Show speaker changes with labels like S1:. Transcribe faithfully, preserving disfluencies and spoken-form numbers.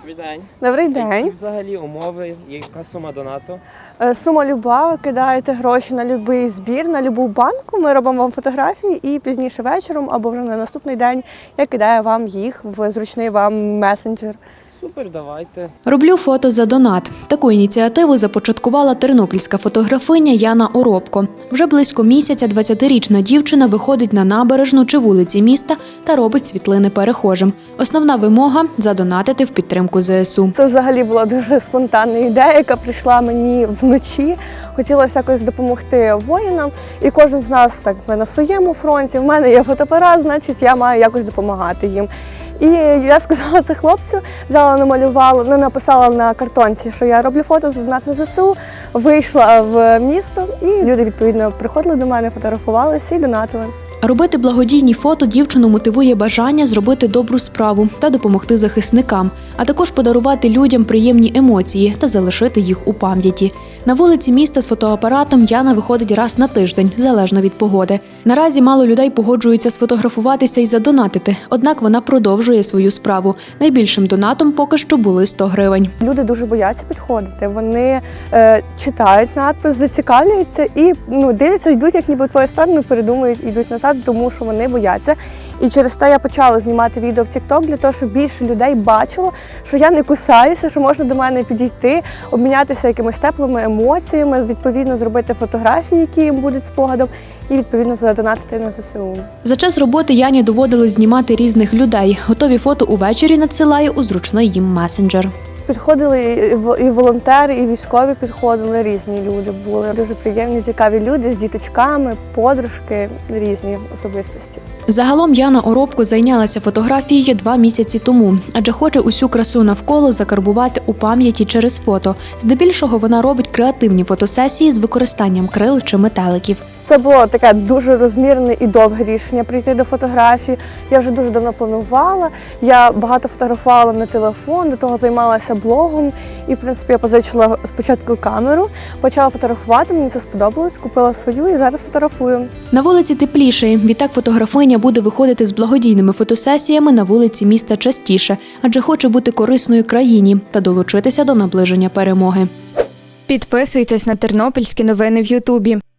S1: Добрий день.
S2: Добрий
S1: Які
S2: день.
S1: взагалі умови, яка сума донату?
S2: Е, Сума люба, ви кидаєте гроші на будь-який збір, на будь-яку банку, ми робимо вам фотографії і пізніше вечором або вже на наступний день я кидаю вам їх в зручний вам месенджер.
S1: Супер, давайте.
S3: Роблю фото за донат. Таку ініціативу започаткувала тернопільська фотографиня Яна Оробко. Вже близько місяця двадцятирічна дівчина виходить на набережну чи вулиці міста та робить світлини перехожим. Основна вимога – задонатити в підтримку зе ес у.
S2: Це взагалі була дуже спонтанна ідея, яка прийшла мені вночі. Хотілося якось допомогти воїнам, і кожен з нас так на своєму фронті. В мене є фотоапарат, значить я маю якось допомагати їм. І я сказала це хлопцю, взяла, намалювала, ну, написала на картонці, що я роблю фото за донат на зе ес у, вийшла в місто, і люди, відповідно, приходили до мене, фотографувалися і донатили.
S3: Робити благодійні фото дівчину мотивує бажання зробити добру справу та допомогти захисникам, а також подарувати людям приємні емоції та залишити їх у пам'яті. На вулиці міста з фотоапаратом Яна виходить раз на тиждень, залежно від погоди. Наразі мало людей погоджуються сфотографуватися і задонатити, однак вона продовжує свою справу. Найбільшим донатом поки що були сто гривень.
S2: Люди дуже бояться підходити, вони е, читають надпис, зацікавлюються і ну, дивляться, йдуть, як ніби в твою сторону, передумують, йдуть назад, тому що вони бояться. І через те я почала знімати відео в тік-ток для того, щоб більше людей бачило, що я не кусаюся, що можна до мене підійти, обмінятися якимись теплими емоціями, відповідно зробити фотографії, які їм будуть спогадом, і відповідно задонатити на зе ес у.
S3: За час роботи Яні доводилось знімати різних людей. Готові фото увечері надсилає у зручний їм месенджер.
S2: Підходили і волонтери, і військові підходили, різні люди були. Дуже приємні, цікаві люди з діточками, подружки, різні особистості.
S3: Загалом Яна Оробко зайнялася фотографією два місяці тому, адже хоче усю красу навколо закарбувати у пам'яті через фото. Здебільшого вона робить креативні фотосесії з використанням крил чи метеликів.
S2: Це було таке дуже розмірне і довге рішення прийти до фотографії. Я вже дуже давно планувала. Я багато фотографувала на телефон, до того займалася блогом. І, в принципі, я позичила спочатку камеру, почала фотографувати, мені це сподобалось, купила свою і зараз фотографую.
S3: На вулиці тепліше. Відтак фотографиня буде виходити з благодійними фотосесіями на вулиці міста частіше, адже хоче бути корисною країні та долучитися до наближення перемоги.
S4: Підписуйтесь на тернопільські новини в Ютубі.